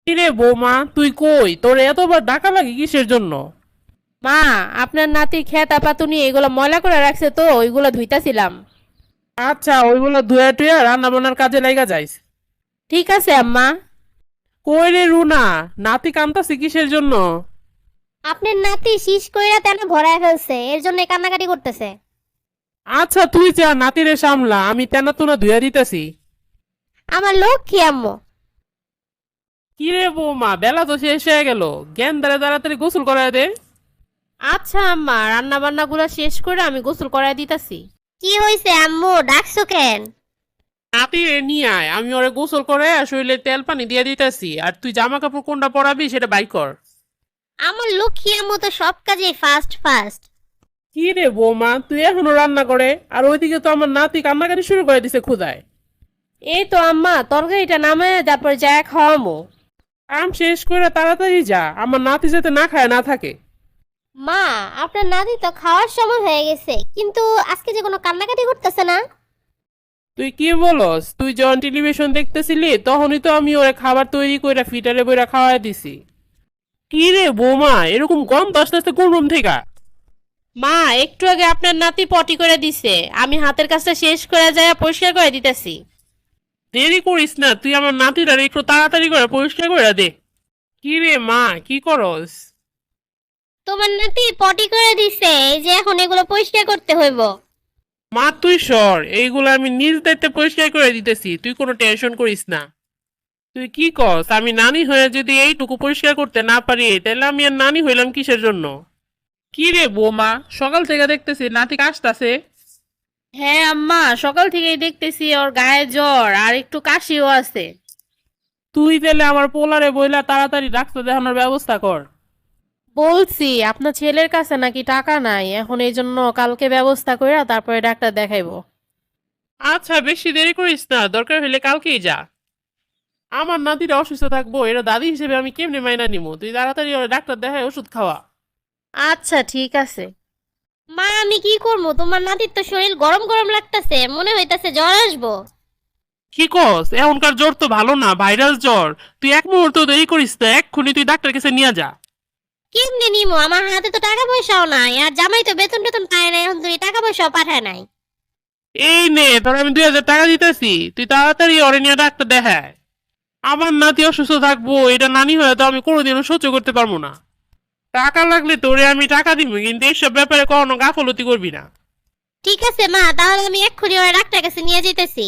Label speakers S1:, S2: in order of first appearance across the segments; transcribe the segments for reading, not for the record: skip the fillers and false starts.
S1: কিরে বৌমা, তুই কই? তোর এতবার ডাকা লাগে কিসের জন্য?
S2: মা, আপনার নাতির খেতা পাতুনি এগুলো ময়লা করে রাখছে তো ওইগুলো ধুইতাছিলাম।
S1: আচ্ছা, ওইগুলো ধুয়া টুয়া রান্না বান্নার কাজে লাইগা যাইস।
S2: ঠিক আছে আম্মা।
S1: কই রে রুনা, নাতি কান্তাছে কিসের জন্য?
S3: আপনার নাতি শীষ কইরা তেন ভরায় ফেলছে, এর জন্য কান্নাকাটি করতেছে।
S1: আচ্ছা তুই যা, নাতিরে সামলা, আমি তেনা তোনা ধুয়া দিতেছি।
S3: আমার লক্ষ্মী আম্মু।
S1: কিরে বৌমা, বেলা তো শেষ হয়ে গেল, জ্ঞান দ্বারা তাড়াতাড়ি গোসল করায় দে।
S2: আচ্ছা আম্মা, রান্না বান্না গুলা শেষ করে আমি গোসল করাই দিতাছি।
S3: কি হইছে আম্মু, ডাকছো কেন?
S1: নাতিরে নিয়ে আয়, আমি ওরে গোসল করে শরীরে তেল পানি দিয়ে দিতেছি। আর তুই জামা কাপড় কোনটা পরাবি সেটা বাই কর।
S3: আমার লক্ষ্মী আম্মু তো সব কাজে ফাস্ট ফাস্ট।
S1: কি রে বৌমা, তুই এখনো রান্না করে, আর ওইদিকে তো আমার নাতি কান্নাকাটি শুরু করে দিছে ক্ষুধায়।
S2: এই তো আম্মা, তরকারিটা নামে তারপর যায় খাওয়ামো।
S1: কাম শেষ করে তাড়াতাড়ি যা, আমার নাতি যাতে না খায় না থাকে।
S3: মা, আপনার নাতি তো খাওয়ার সময় হয়ে গেছে, কিন্তু আজকে যে কোনো কান্নাকাটি করতেছে না।
S1: তুই কি বলস? তুই যখন টেলিভিশন দেখতেছিলি তখনই তো আমি ওরে খাবার তৈরি করে ফিটারে বইরা খাওয়াই দিছি। কি রে বৌমা, এরকম গন্ধ আস্তে আস্তে কোন রুম থেকে?
S2: মা, একটু আগে আপনার নাতি পটি করে দিছে, আমি হাতের কাজটা শেষ করে যায় পরিষ্কার করে দিতেছি।
S1: দেরি করিস না, তুই আমার নাতিটারে একটু তাড়াতাড়ি করে পরিষ্কার করে দে। কি রে মা, কি করস?
S3: তোমার নাতি পটি করে দিছে, এই যে এখন এগুলো পরিষ্কার করতে হইব।
S1: মা তুই সর, এইগুলো আমি নিজ দায়িত্বে পরিষ্কার করে দিতেছি, তুই কোনো টেনশন করিস না। তুই কি কস? আমি নানি হয়ে যদি এইটুকু পরিষ্কার করতে না পারি, তাহলে আমি আর নানি হইলাম কিসের জন্য? কি রে বৌমা, সকাল থেকে দেখতেছি নাতি কাশতাছে।
S2: হ্যাঁ আম্মা, সকাল থেকেই দেখতেছি ওর গায়ে জ্বর আর একটু কাশিও আছে।
S1: তুই তাহলে আমার পোলারে বইলা তাড়াতাড়ি ডাক্তার দেখানোর ব্যবস্থা কর।
S2: বলছি আপনার ছেলের কাছে নাকি টাকা নাই, এখন এই জন্য কালকে ব্যবস্থা করে তারপরে ডাক্তার দেখাইবো।
S1: আচ্ছা বেশি দেরি করিস না, দরকার হলে কালকেই যা। আমার নাতিরা অসুস্থ থাকবো, এটা দাদি হিসেবে আমি কেমনে মাইনা নিবো? তুই তাড়াতাড়ি ওর ডাক্তার দেখায় ওষুধ খাওয়া।
S2: আচ্ছা ঠিক আছে।
S3: মা, আমি কি করবো? তোমার নাতির তো শরীর গরম গরম লাগতেছে, মনে হইতাছে জ্বর আসবো।
S1: কি কস? এখনকার জ্বর তো ভালো না, ভাইরাস জ্বর। তুই এক মুহূর্ত দেরি করিস না, এক্ষুনি তুই ডাক্তার কাছে নিয়ে যা।
S3: কেমনে নিমো? আমার হাতে তো টাকা পয়সাও নাই, আর জামাই তো বেতন টেতন পায় না, এখন তুমি টাকা পয়সাও পাঠায় নাই।
S1: এই নে, তোর আমি 2000 টাকা দিতেছি, তুই তাড়াতাড়ি ওরে নিয়ে ডাক্তার দেখায়। আমার নাতি অসুস্থ থাকবো, এটা নানি হয়ে তো আমি কোনোদিনও সহ্য করতে পারবো না। টাকা লাগলে তোরে আমি টাকা দিব, কিন্তু এইসব ব্যাপারে কখনো গাফলতি করবি না।
S3: ঠিক আছে মা, তাহলে আমি এক্ষুনি ওরা ডাক্তার কাছে নিয়ে যেতেছি।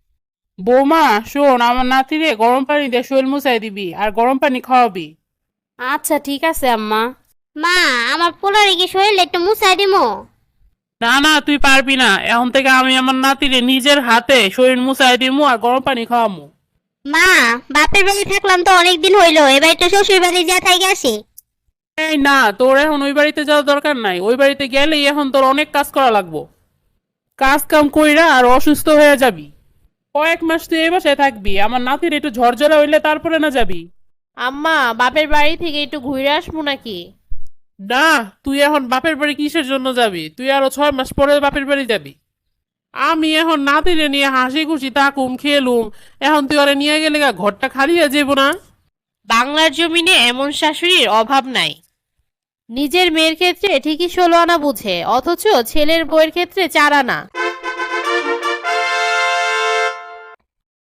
S1: বৌমা শোন, আমার নাতিরে গরম পানি দিয়ে শরীর মুছাই দিবি, আর গরম পানি খাওয়াবি।
S2: আচ্ছা ঠিক আছে আম্মা।
S3: মা, আমার পোলারে কি শরীরে একটু মুছাই দিমো?
S1: না না, তুই পারবি না, এখন থেকে আমি আমার নাতিরে নিজের হাতে শরীর মুছাই দিমু আর গরম পানি খাওয়ামু।
S3: মা, বাপের বাড়ি থাকলাম তো অনেকদিন হইলো, এবার একটু শ্বশুর বাড়ি যা থাই আসি।
S1: এই না, তোর এখন ওই বাড়িতে যাওয়ার দরকার নাই, ওই বাড়িতে গেলেই এখন তোর অনেক কাজ করা লাগবো। কাজ কাম কইরা আর অসুস্থ হয়ে যাবি। কয়েক মাস তুই এই বাসায় থাকবি, আমার নাতির একটু ঝরঝরা হইলে তারপরে না যাবি।
S2: আম্মা, বাপের বাড়ি থেকে একটু ঘুরে আসবো নাকি?
S1: না, তুই এখন বাপের বাড়ি কিসের জন্য যাবি? তুই আরো 6 মাস পরে বাপের বাড়ি যাবি। আমি এখন নাতিরে নিয়ে হাসি খুশি থাকুম, খেলুম। এখন তুই ওরে নিয়ে গেলে ঘরটা খালি হয়ে যাবো না?
S2: বাংলার জমিনে এমন শাশুড়ির অভাব নাই। নিজের মেয়ের ক্ষেত্রে ঠিকই 16 আনা বুঝে, অথচ ছেলের বউয়ের ক্ষেত্রে 4 আনা।